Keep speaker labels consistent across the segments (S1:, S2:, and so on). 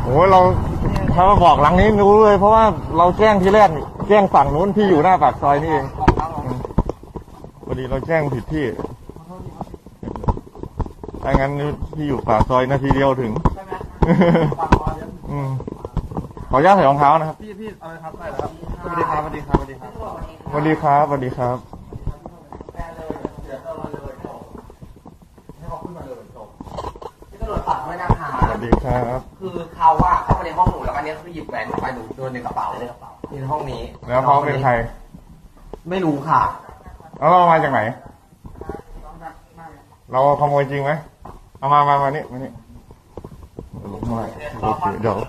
S1: โอ้เราถ้ามาบอกหลังนี้รู้เลยเพราะว่าเราแจ้งที่แรกแจ้งฝั่งนู้นที่อยู่หน้าปากซอยนี่เองพอดีเราแจ้งผิดที่ถ้างั้นที่อยู่ปากซอยนาทีเดียวถึงขออนุญาตใส่รองเท้านะครับ
S2: พี่เอาเลยครับได้แล้วครับสวัสดีครับสวัสดีครับสวัสดีครับ
S1: สวัสดีครับสวัสดีครับ
S3: ตำรวจฝากด้วยนะคะ
S1: สวัสดีครับ
S3: คือเขาว่าเข้าไปในห้องหนูแล้วอันนี้คือหยิบแหวนไปหนูโดนในกระเป๋าในห้องนี้
S1: แล้วเขาเป็นใคร
S3: ไม่รู้ค่ะ
S1: แล้วเรามาจากไหนเราขโมยจริงไหมเอามานี่มานี่โอเคเดี๋ยว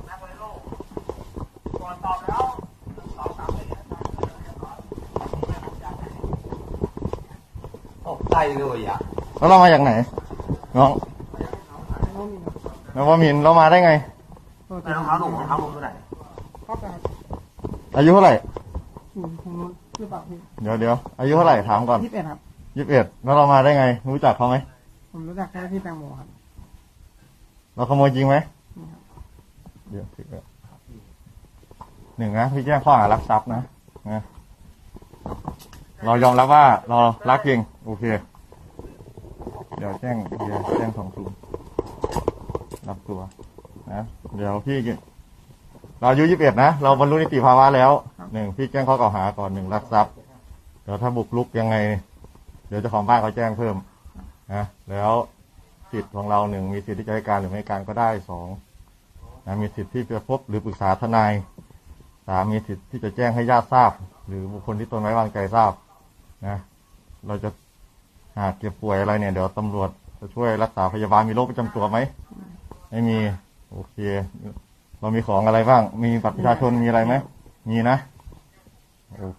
S3: ตกใจเลยอ่ะ
S1: แล้วเรามาจากไหนน้องแล้วว่ามินเรามาได้ไง
S3: รองเท้าหนูรองเท้าหนูตัวไหน
S1: อายุเท่าไหร่
S4: ของนู้นหรือเปล่าพี่
S1: เดี๋ยวอายุเท่าไหร่ถามก่อน
S4: 21 ครับ
S1: 21แล้วเรามาได้ไงรู้จักเขาไหม
S4: ผมรู้จักแค่พี่แตงโมครับ
S1: เราขโมยจริงไหมเดี๋ยว1นะพี่แจ้งข้อหารักทรัพย์นะเรายอมรับว่าเรารักจริงโอเคเดี๋ยวแจ้ง20รับตัวนะเดี๋ยวพี่เราอายุ21นะเราบรรลุนิติภาวะแล้ว1พี่แจ้งข้อกล่าวหาก่อน1รักทรัพย์เดี๋ยวถ้าบุกรุกยังไงเดี๋ยวเจ้าของบ้านเขาแจ้งเพิ่มนะแล้วสิทธิ์ของเรา1มีสิทธิ์ที่จะให้การหรือไม่ให้การก็ได้2นะมีสิทธิ์ที่จะพบหรือปรึกษาทนาย3มีสิทธิ์ที่จะแจ้งให้ญาติทราบหรือบุคคลที่ตนไว้วางใจทราบนะเราจะหากเจ็บป่วยอะไรเนี่ยเดี๋ยวตำรวจจะช่วยรักษาพยาบาลมีโรคประจำตัวไหมไม่มีโอเคเรามีของอะไรบ้างมีบัตรประชาชนมีอะไรไหมมีนะ